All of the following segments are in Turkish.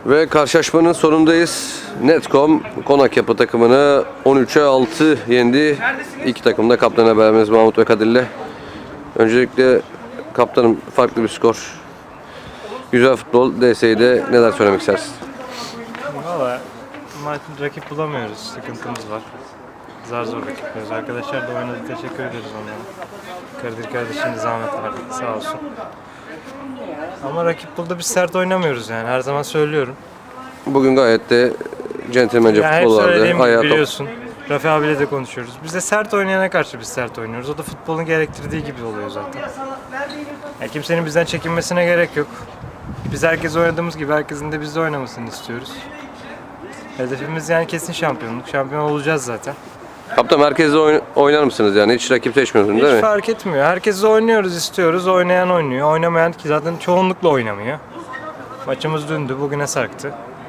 Ve karşılaşmanın sonundayız. Netcom Konak Yapı takımını 13'e 6 yendi. İki takım da kaptan haberimiz Mahmut ve Kadir'le. Öncelikle kaptanım, farklı bir skor. Güzel futbol. DS'de neler söylemek istersin? Valla rakip bulamıyoruz. Sıkıntımız var. Zar zor rakip buluyoruz. Arkadaşlar da oynadı. Teşekkür ederiz onlara. Kadir kardeşim zahmet verdi. Sağ olsun. Ama rakip buldu, biz sert oynamıyoruz yani. Her zaman söylüyorum. Bugün gayet de centilmence Yani hep futbol vardı. söylediğim gibi Ayağa top. biliyorsun. Rafi abiyle de konuşuyoruz. Biz de sert oynayana karşı biz sert oynuyoruz. O da futbolun gerektirdiği gibi oluyor zaten. Yani kimsenin bizden çekinmesine gerek yok. Biz herkes oynadığımız gibi herkesin de bizde oynamasını istiyoruz. Hedefimiz yani kesin şampiyonluk. Şampiyon olacağız zaten. Kaptan, merkezde oynar mısınız yani? Hiç rakip seçmiyorsun değil Hiç mi? fark etmiyor. Herkes oynuyoruz, istiyoruz. Oynayan oynuyor. Oynamayan ki zaten çoğunlukla oynamıyor. Maçımız dündü, bugüne sarktı.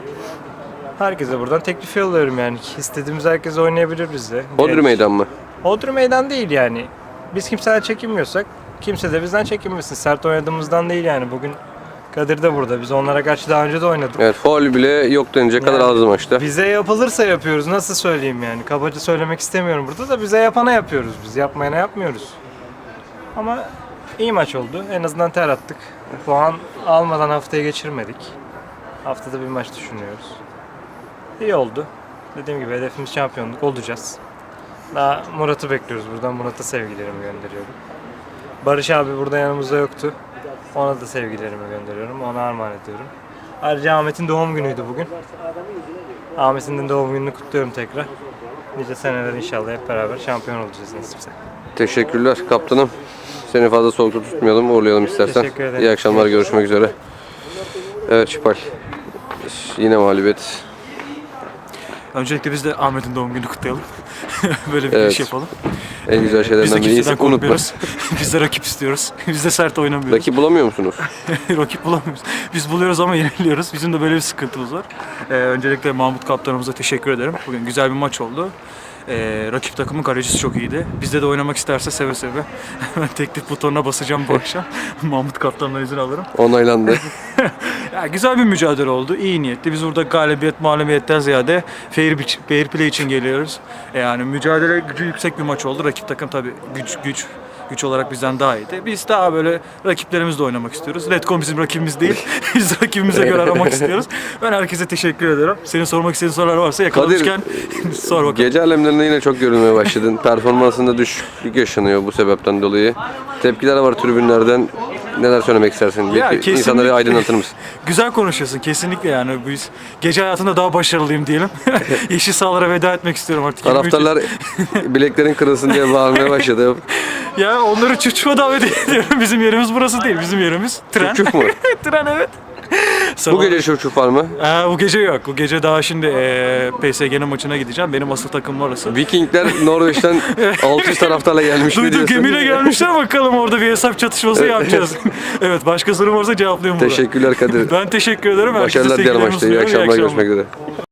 Herkese buradan teklif yolluyorum yani. İstediğimiz herkes oynayabilir bizde. Bodrum meydan mı? Bodrum meydan değil yani. Biz kimseden çekinmiyorsak kimse de bizden çekinmesin. Sert oynadığımızdan değil yani. Bugün Kadir de burada. Biz onlara karşı daha önce de oynadık. Evet, faul bile yok denecek kadar azdı maçta. Bize yapılırsa yapıyoruz. Nasıl söyleyeyim yani? Kabaca söylemek istemiyorum burada da, bize yapana yapıyoruz biz. Yapmayana yapmıyoruz. Ama iyi maç oldu. En azından ter attık. Puan almadan haftaya geçirmedik. Haftada bir maç düşünüyoruz. İyi oldu. Dediğim gibi hedefimiz şampiyonluk, olacağız. Daha Murat'ı bekliyoruz. Buradan Murat'a sevgilerimi gönderiyorum. Barış abi burada yanımızda yoktu. Ona da sevgilerimi gönderiyorum. Ona armağan ediyorum. Ayrıca Ahmet'in doğum günüydü bugün. Ahmet'in de doğum gününü kutluyorum tekrar. Nice seneler inşallah hep beraber şampiyon olacağız nasipse. Teşekkürler kaptanım. Seni fazla soğukta tutmayalım, uğurlayalım istersen. Teşekkür ederim. İyi akşamlar, görüşmek üzere. Evet Şipal. Yine mağlubiyet. Öncelikle biz de Ahmet'in doğum gününü kutlayalım. Böyle bir Evet. iş yapalım. En güzel Biz de şeylerden biri kimseden unutma. korkmuyoruz. Biz de rakip istiyoruz. Biz de sert oynamıyoruz. Rakip bulamıyor musunuz? Rakip bulamıyoruz. Biz buluyoruz ama yeniliyoruz. Bizim de böyle bir sıkıntımız var. Öncelikle Mahmut kaptanımıza teşekkür ederim. Bugün güzel bir maç oldu. Rakip takımın kalecisi çok iyiydi. Bizde de oynamak isterse seve seve. Hemen teklif butonuna basacağım bu akşam. Mahmut kaptandan izin alırım. Onaylandı. Ya, güzel bir mücadele oldu. İyi niyetli. Biz burada galibiyet, mağlubiyetten ziyade fair play için geliyoruz. Yani mücadele gücü yüksek bir maç oldu. Rakip takım tabii güç olarak bizden daha iyiydi. Biz daha böyle rakiplerimizle oynamak istiyoruz. Redcon bizim rakibimiz değil. Biz rakibimize göre aramak istiyoruz. Ben herkese teşekkür ederim. Senin sormak istediğin sorular varsa yakalamışken sor bakalım. Gece alemlerinde yine çok görünmeye başladın. Performansında düşüklük yaşanıyor bu sebepten dolayı. Tepkiler var tribünlerden. Neler söylemek istersin? Ya, Belki kesinlikle. insanları aydınlatır mısın? Güzel konuşuyorsun kesinlikle yani. Biz gece hayatında daha başarılıyım diyelim. Yeşil sahalara veda etmek istiyorum artık. Taraftarlar bileklerin kırılsın diye bağırmaya başladı. Ya onları çuçuğa davet ediyorum. Bizim yerimiz burası değil. Bizim yerimiz tren. Çocuk mu? Tren, evet. Bu gece çocuk var mı? Bu gece yok. Bu gece daha şimdi PSG'nin maçına gideceğim. Benim asıl takımım orası. Vikingler Norveç'ten 600 taraftarla gelmiş mi Duydum, diyorsun? gemiyle gelmişler, bakalım orada bir hesap çatışması yapacağız. Evet, başka sorum varsa cevaplayayım burada. Teşekkürler Kadir. Ben teşekkür ederim. Herkese Başarılar dilerim sevgilerimi maçta. İyi sunuyorum. akşamlar, görüşmek üzere.